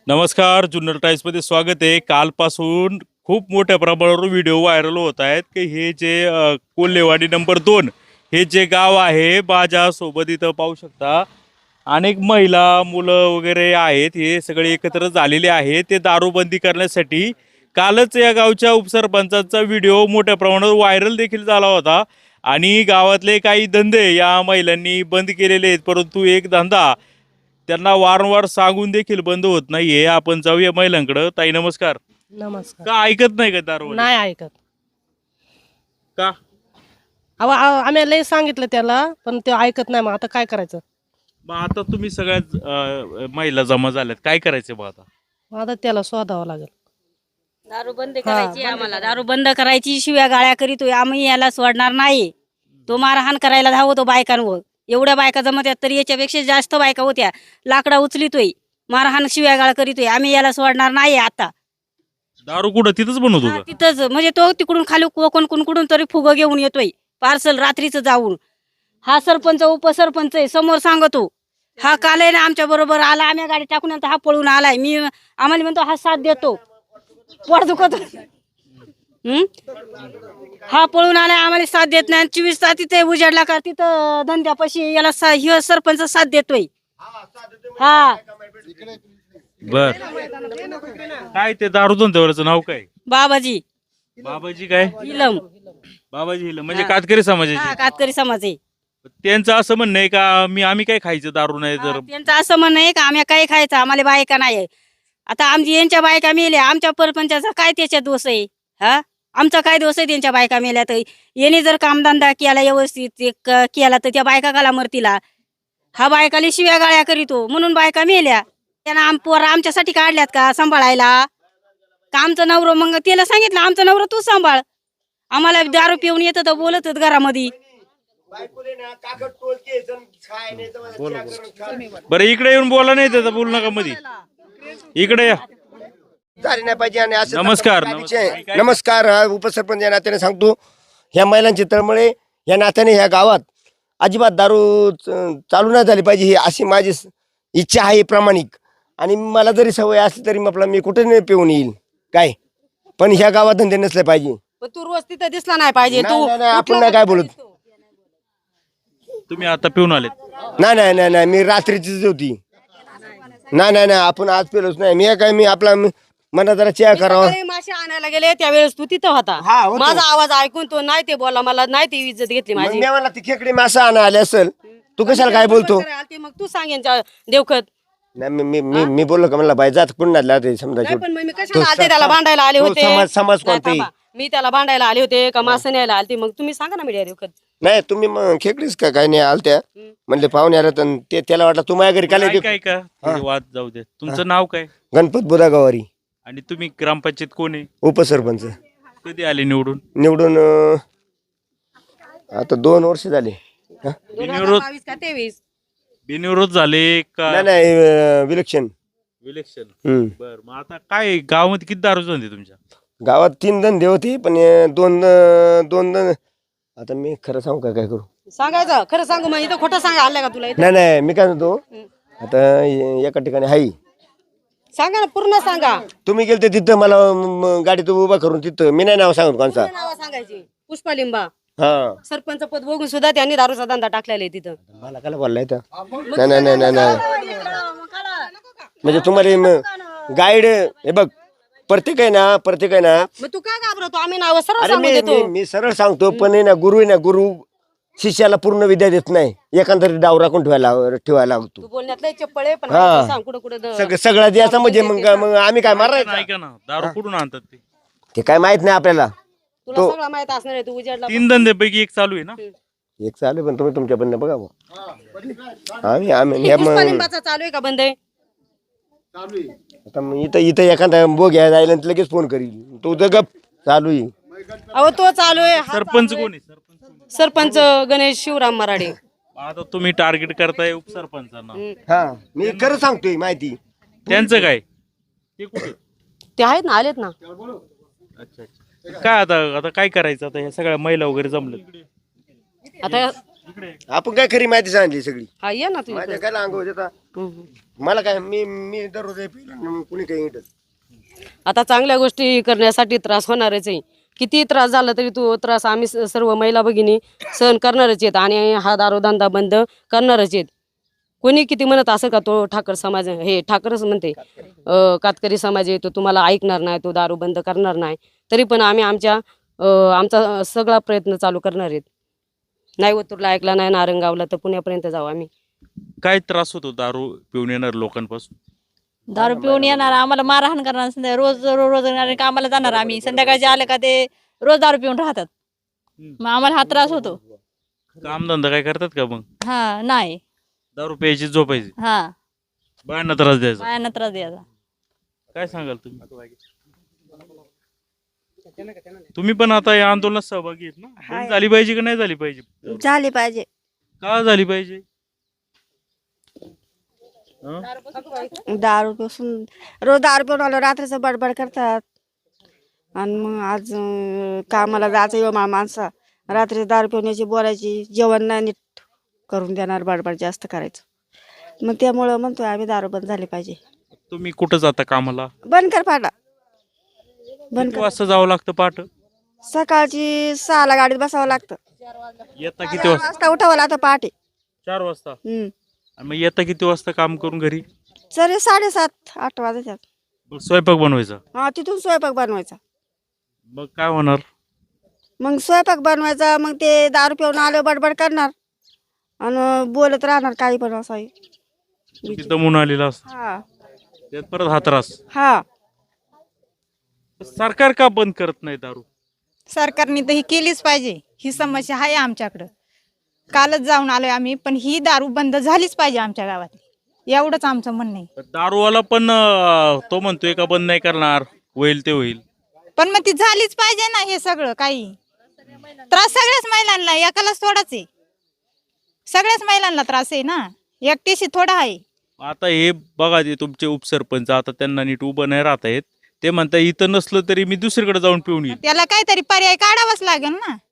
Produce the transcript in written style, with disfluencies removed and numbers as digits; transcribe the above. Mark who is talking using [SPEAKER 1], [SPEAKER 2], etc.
[SPEAKER 1] नमस्कार, जुन्नर टाइम्समध्ये स्वागत आहे. कालपासून खूप मोठ्या प्रमाणावर व्हिडिओ व्हायरल होत आहेत की हे जे कोल्हेवाडी नंबर 2 हे जे गाव आहे माझ्यासोबत इथं पाहू शकता. अनेक महिला मुलं वगैरे आहेत, हे सगळे एकत्र झालेले आहेत ते दारूबंदी करण्यासाठी. कालच या गावच्या उपसरपंचाचा व्हिडिओ मोठ्या प्रमाणावर व्हायरल देखील झाला होता आणि गावातले काही धंदे या महिलांनी बंद केलेले आहेत, परंतु एक धंदा त्यांना वारंवार सांगून देखील बंद होत नाहीये. आपण जाऊया महिलांकडे. ताई नमस्कार.
[SPEAKER 2] नमस्कार.
[SPEAKER 1] का ऐकत नाही का दारू?
[SPEAKER 2] नाही ऐकत.
[SPEAKER 1] का?
[SPEAKER 2] अहो आम्ही लय सांगितलं त्याला, पण ते ऐकत नाही. मग आता काय करायचं?
[SPEAKER 1] मग आता तुम्ही सगळ्यात महिला जमा झाल्यात, काय करायचं मग आता?
[SPEAKER 2] मग आता त्याला शोधावं लागेल.
[SPEAKER 3] दारू बंद करायची आम्हाला. दारू बंद करायची. शिव्या गाळ्या करीतोय आम्ही, याला सोडणार नाही. तो मारहाण करायला धावतो बायकांवर. एवढ्या बायका जमत आहेत, तरी याच्यापेक्षा जास्त बायका होत्या. लाकडा उचलितोय, मारहाण शिव्या गाळ करीतोय. आम्ही याला सोडणार नाही. आता
[SPEAKER 1] दारू कुठं तिथंच बनवतो
[SPEAKER 3] हा,
[SPEAKER 1] का?
[SPEAKER 3] तिथंच म्हणजे तो तिकडून खाली कोकण तरी फुगं घेऊन येतोय पार्सल रात्रीचं जाऊन. हा सरपंच उपसरपंच आहे, समोर सांगतो. हा काल आहे ना आमच्या बरोबर आला, आम्ही गाडी टाकून नंतर हा पळून आलाय. आम्हाला म्हणतो हा साथ देतो, पोट दुखत. हा पळून आलाय, आम्हाला साथ देत नाही. 24 तास तिथे उजाडला का तिथं धंद्यापाशी याला ह्यो सरपंच साथ देतोय. हा
[SPEAKER 1] बर, काय ते दारू धंद्यावरचं नाव काय?
[SPEAKER 3] बाबाजी
[SPEAKER 1] बाबाजी काय?
[SPEAKER 3] इलम.
[SPEAKER 1] बाबाजी हिला म्हणजे कातकरी समाजाचे.
[SPEAKER 3] हा कातकरी समाज आहे.
[SPEAKER 1] त्यांचं असं म्हणणं आहे का आम्ही काय खायचं दारू नाही तर?
[SPEAKER 3] त्यांचं असं म्हणणं आहे का आम्ही काय खायचं, आम्हाला बायका नाही. आता आमची यांच्या बायका मेल्या, आमच्या परपंचाचा काय त्याच्यात दोष आहे? हा, आमचा काय दोष आहे त्यांच्या बायका मेल्या? तर याने जर कामधंदा केला व्यवस्थित केला तर त्या बायका गाला मरतीला. हा बायकाली शिव्या गाळ्या करीतो म्हणून बायका मेल्या. त्यानं पोरा आमच्यासाठी काढल्यात का सांभाळायला? का आमचं नवरं? मग त्याला सांगितलं आमचं नवरं तू सांभाळ. आम्हाला दारू पिऊन येतं तर बोलतच घरामध्ये.
[SPEAKER 1] बरं इकडे येऊन बोला, नाही तर बोलू नका मध्ये. इकडे या.
[SPEAKER 4] झाली नाही पाहिजे. आणि असं
[SPEAKER 1] नमस्कार.
[SPEAKER 4] नमस्कार. हा उपसरपंच या नात्याने सांगतो, ह्या महिलांची तळमळे या नात्याने ह्या गावात अजिबात दारू चालू नाही झाली पाहिजे, ही अशी माझी इच्छा आहे प्रामाणिक. आणि मला जरी सवय असली तरी आपला मी कुठे नाही पिऊन येईल काय, पण ह्या गावात धंदे नसले पाहिजे.
[SPEAKER 2] पण तू रोज तिथं दिसला नाही पाहिजे.
[SPEAKER 4] नाही, नाही, नाही, आपण नाही काय बोलत.
[SPEAKER 1] तुम्ही आता पिऊन आलेत?
[SPEAKER 4] नाही नाही नाही नाही, मी रात्रीचीच होती. नाही नाही नाही, आपण आज पेलोच नाही. मी काय, मी आपला मना जरा चेअर करावा.
[SPEAKER 2] मासे आणायला गेले त्यावेळेस तू तिथं होता.
[SPEAKER 4] हा, होतो.
[SPEAKER 2] माझा आवाज ऐकून तो नाही ते बोलला, मला नाही ते इज्जत घेतली
[SPEAKER 4] मग
[SPEAKER 2] माझी.
[SPEAKER 4] मी मला ती खेकडे मासा आणा आले असेल, तू कशाला काय बोलतो?
[SPEAKER 2] मग तू सांगेन देवखत.
[SPEAKER 4] नाही मी बोललो का म्हणला बाई जात कुणाला ते समजा
[SPEAKER 2] नाही, पण मग मी कशाला आलते? त्याला भांडायला आले होते.
[SPEAKER 4] समाज
[SPEAKER 2] नाही,
[SPEAKER 4] कोणते?
[SPEAKER 2] थांबा. मी त्याला भांडायला आले होते का मासे न्यायला आलते? मग तुम्ही सांगा ना मीडिया देवखत.
[SPEAKER 4] नाही तुम्ही मग खेकडीच का काय नाही आलत्या म्हणले पाहुणे आले तर ते त्याला वाटलं तू माझ्या घरी काय
[SPEAKER 1] काय का थोडे वाद जाऊ दे. तुमचं नाव काय
[SPEAKER 4] गणपत बुधागावारी
[SPEAKER 1] आणि तुम्ही ग्रामपंचायत कोण आहे?
[SPEAKER 4] उपसरपंच.
[SPEAKER 1] कधी आले निवडून?
[SPEAKER 4] निवडून आता 2 वर्ष झाले. हा?
[SPEAKER 2] 2022 का 23?
[SPEAKER 1] बिनविरोध झाले का?
[SPEAKER 4] नाही नाही विलक्षण.
[SPEAKER 1] इलेक्शन. बर, मग आता काय गावामध्ये किती दारू धंदे तुमच्या?
[SPEAKER 4] गावात 3 धंदे होते, पण दोन आता मी खरं सांगू का काय करू?
[SPEAKER 2] सांगायचं खरं सांगू. मग इथं खोटं सांगा आलं का तुला इथं?
[SPEAKER 4] नाही नाही, मी काय म्हणतो आता एका ठिकाणी हाई
[SPEAKER 2] सांगा ना, पूर्ण सांगा.
[SPEAKER 4] तुम्ही गेलते तिथं मला गाडीत उभा करून तिथं मी नाही नाव सांगत कोणचा.
[SPEAKER 2] नाव सांगायची. पुष्पा लिंबा
[SPEAKER 4] हा,
[SPEAKER 2] सरपंच पद बघून सुद्धा त्यांनी दारूचा धंदा टाकलेला आहे तिथं.
[SPEAKER 4] मला काय बोललाय तर नाही नाही नाही नाही नाही. म्हणजे तुम्हाला गाईड हे बघ, प्रत्येक आहे ना
[SPEAKER 2] मग तू काय घाबरतो? आम्ही नाव सरळ
[SPEAKER 4] अरे
[SPEAKER 2] सांगू देतो.
[SPEAKER 4] मी सरळ सांगतो, पण आहे ना गुरु शिष्याला पूर्ण विद्या देत नाही. एखादा डाव राखून ठेवायला लागतो.
[SPEAKER 2] तू बोलण्यात लय चप्पळ आहे, पण
[SPEAKER 4] हा.
[SPEAKER 2] हा सांग कुठं कुठं
[SPEAKER 4] सगळा द्यायचा म्हणजे मग आम्ही काय मारायचं?
[SPEAKER 1] ऐका ना, दारू कुठून आणतात ते?
[SPEAKER 4] ते काय माहित नाही आपल्याला.
[SPEAKER 2] तुला सगळं माहित असणार आहे. तू उजाडला
[SPEAKER 1] 3 धंद्यापैकी एक चालू आहे ना?
[SPEAKER 4] एक चालू, पण तुम्ही तुमच्या बंद बघा बुवा. आम्ही
[SPEAKER 2] पुष्पा लिंबाचा चालू आहे का बंद आहे?
[SPEAKER 4] आता मग इथं एखादा बोग्या जायला आणि लगेच फोन करील. तो गप चालू आहे.
[SPEAKER 2] अहो तो चालू आहे. हा
[SPEAKER 1] सरपंच
[SPEAKER 2] चालू आहे.
[SPEAKER 1] कोण आहे? सरपंच
[SPEAKER 2] सरपंच गणेश शिवराम मराडे.
[SPEAKER 1] आता तुम्ही टार्गेट करताय उपसरपंचांना.
[SPEAKER 4] हा, मी खरं सांगतोय माहिती.
[SPEAKER 1] त्यांचं काय? ते कुठे?
[SPEAKER 2] ते आहेत ना, आलेत ना.
[SPEAKER 1] अच्छा अच्छा. काय आता काय करायचं? आता ह्या सगळ्या महिला वगैरे जमल्या.
[SPEAKER 2] आता
[SPEAKER 4] आपण काय खरी माहिती सांगली सगळी.
[SPEAKER 2] हा ये ना तू
[SPEAKER 4] माझ्या काय अंग होते आता मला काय मी दररोज पिलो कुणी काही इटत
[SPEAKER 5] आता चांगल्या गोष्टी करण्यासाठी त्रास होणारच आहे. किती त्रास झाला तरी तो त्रास आम्ही सर्व महिला भगिनी सहन करणारच आहेत आणि हा दारूधंदा बंद करणारच आहेत. कोणी किती म्हणत असं का तो ठाकर समाज हे ठाकरच म्हणते कातकरी समाज आहे तो तुम्हाला ऐकणार नाही, तो दारू बंद करणार नाही. तरी पण आम्ही आमचा सगळा प्रयत्न चालू करणार आहेत. नाही ओतूरला ऐकला नाही नारंगावला तर पुण्यापर्यंत जाऊ आम्ही.
[SPEAKER 1] काय त्रास होतो दारू पिऊन येणार लोकांपासून?
[SPEAKER 6] दारू पिऊन येणार आम्हाला मारहाण करणार रोज रोज कामाला जाणार आम्ही संध्याकाळचे आले का ते रोज दारू पिऊन राहतात. मग आम्हाला हा त्रास होतो.
[SPEAKER 1] कामधंदा काय करतात का मग?
[SPEAKER 6] हा नाही
[SPEAKER 1] दारू प्यायची झोपायची,
[SPEAKER 6] हा
[SPEAKER 1] बायांना त्रास द्यायचा.
[SPEAKER 6] बायांना त्रास द्यायचा.
[SPEAKER 1] काय सांगाल तुम्ही? तुम्ही पण आता या आंदोलनात सहभागी आहेत ना? बंद झाली पाहिजे का नाही झाली पाहिजे?
[SPEAKER 7] झाली पाहिजे.
[SPEAKER 1] का झाली पाहिजे?
[SPEAKER 7] दारू पासून रोज दारू पिऊन आलो रात्रीचं बडबड करतात आणि मग आज कामाला जायचं माणसा रात्री दारू पिऊन यायची बोलायची जेवण नाही नीट करून देणार बडबड जास्त करायचं. मग त्यामुळं म्हणतोय आम्ही दारू बंद झाली पाहिजे.
[SPEAKER 1] तुम्ही कुठं जाता कामाला?
[SPEAKER 7] बंद कर फाटा बंद
[SPEAKER 1] किती
[SPEAKER 7] कर.
[SPEAKER 1] वाजता जावं लागतं पहाट?
[SPEAKER 7] सकाळची 6ला गाडीत बसावं लागतं.
[SPEAKER 1] येता किती
[SPEAKER 7] 4
[SPEAKER 1] वाजता?
[SPEAKER 7] वाजता उठावं लागतं पहाटे.
[SPEAKER 1] 4 वाजता.
[SPEAKER 7] हम्म
[SPEAKER 1] आणि मग येता किती वाजता काम करून घरी?
[SPEAKER 7] तरी 7:30-8 वाजतात.
[SPEAKER 1] मग स्वयंपाक बनवायचा.
[SPEAKER 7] हा तिथून स्वयंपाक बनवायचा.
[SPEAKER 1] मग काय होणार?
[SPEAKER 7] मग स्वयंपाक बनवायचा मग ते दारू पिऊन आलं बडबड करणार आणि बोलत राहणार काही पण असं.
[SPEAKER 1] तुम्ही दमून आलेला असता
[SPEAKER 7] हा
[SPEAKER 1] त्यात परत हा त्रास.
[SPEAKER 7] हा
[SPEAKER 1] सरकार का बंद करत नाही दारू?
[SPEAKER 8] सरकारने तर ही केलीच पाहिजे. ही समस्या आहे आमच्याकडं. कालच जाऊन आलोय आम्ही, पण ही दारू बंद झालीच पाहिजे आमच्या गावातली. एवढंच आमचं म्हणणं आहे.
[SPEAKER 1] दारूवाला पण तो म्हणतोय का बंद नाही करणार, होईल ते होईल.
[SPEAKER 8] पण मग ती झालीच पाहिजे ना. हे सगळं काही त्रास सगळ्याच महिलांना, एकालाच थोडाच आहे. सगळ्याच महिलांना त्रास आहे ना, एकटीशी थोडा आहे.
[SPEAKER 1] आता हे बघा ते तुमचे उपसरपंच आता त्यांना नीट उभं नाही राहता येत. ते म्हणता इथं नसलं तरी मी दुसरीकडे जाऊन पिऊन येईल.
[SPEAKER 8] त्याला काहीतरी पर्याय काढावाच लागेल ना.